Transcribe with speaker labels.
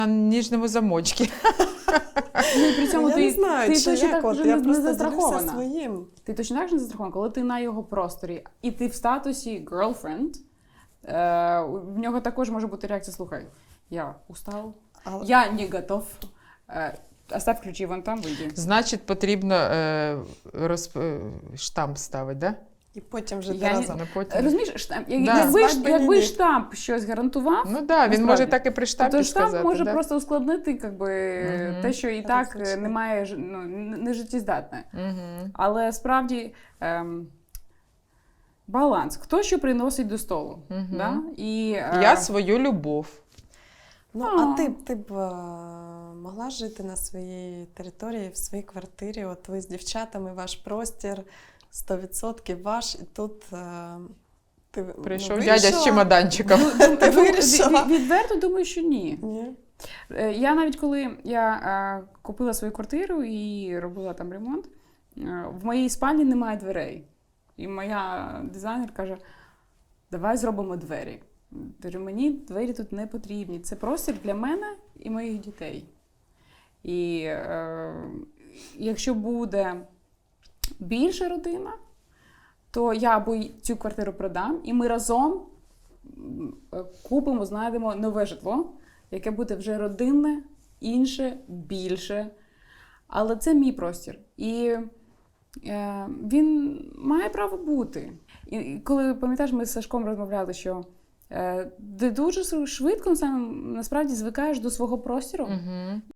Speaker 1: на ніжному замочці.
Speaker 2: Ну, і при цьому
Speaker 3: Я не знаю,
Speaker 2: ти
Speaker 3: чи
Speaker 2: точно
Speaker 3: як,
Speaker 2: так
Speaker 3: от,
Speaker 2: вже
Speaker 3: я
Speaker 2: не
Speaker 3: просто
Speaker 2: застрахована.
Speaker 3: ділюся своїм.
Speaker 2: Ти точно так же не застрахована, коли ти на його просторі, і ти в статусі girlfriend, в нього також може бути реакція, слухай, я устав,
Speaker 3: Але-
Speaker 2: я не готов, оставь ключі вон там, вийди.
Speaker 1: Значить, потрібно штамп ставити, да?
Speaker 3: І потім вже
Speaker 2: Я не-
Speaker 3: разом.
Speaker 1: На потім.
Speaker 2: Розумієш,
Speaker 1: Да.
Speaker 2: якби
Speaker 3: Ні.
Speaker 2: штамп щось гарантував,
Speaker 1: Ну так, да, він
Speaker 2: насправді.
Speaker 1: може так і при штампі
Speaker 2: то штамп
Speaker 1: сказати.
Speaker 2: може
Speaker 1: да?
Speaker 2: просто ускладнити те, що і так
Speaker 3: Розлучити.
Speaker 2: немає, не життєздатне.
Speaker 1: Мгм.
Speaker 2: Але справді баланс. Хто що приносить до столу.
Speaker 1: Мгм.
Speaker 2: Да? І,
Speaker 1: Я свою любов.
Speaker 3: Ну, а ти б могла жити на своїй території, в своїй квартирі? От ви з дівчатами, ваш простір 100% ваш, і тут ти
Speaker 1: Прийшов
Speaker 3: ну,
Speaker 1: дядя з
Speaker 3: вирішила?
Speaker 1: чемоданчиком.
Speaker 3: Ти вирішила?
Speaker 2: Відверто думаю, що ні.
Speaker 3: Ні.
Speaker 2: Я навіть коли я купила свою квартиру і робила там ремонт, в моїй спальні немає дверей. І моя дизайнер каже, давай зробимо двері. Кажу, мені двері тут не потрібні. Це простір для мене і моїх дітей. І якщо буде більша родина, то я або цю квартиру продам, і ми разом купимо, знайдемо нове житло, яке буде вже родинне, інше, більше. Але це мій простір. І він має право бути. І коли, пам'ятаєш, ми з Сашком розмовляли, що ти дуже швидко насправді звикаєш до свого простору.
Speaker 1: Мгм.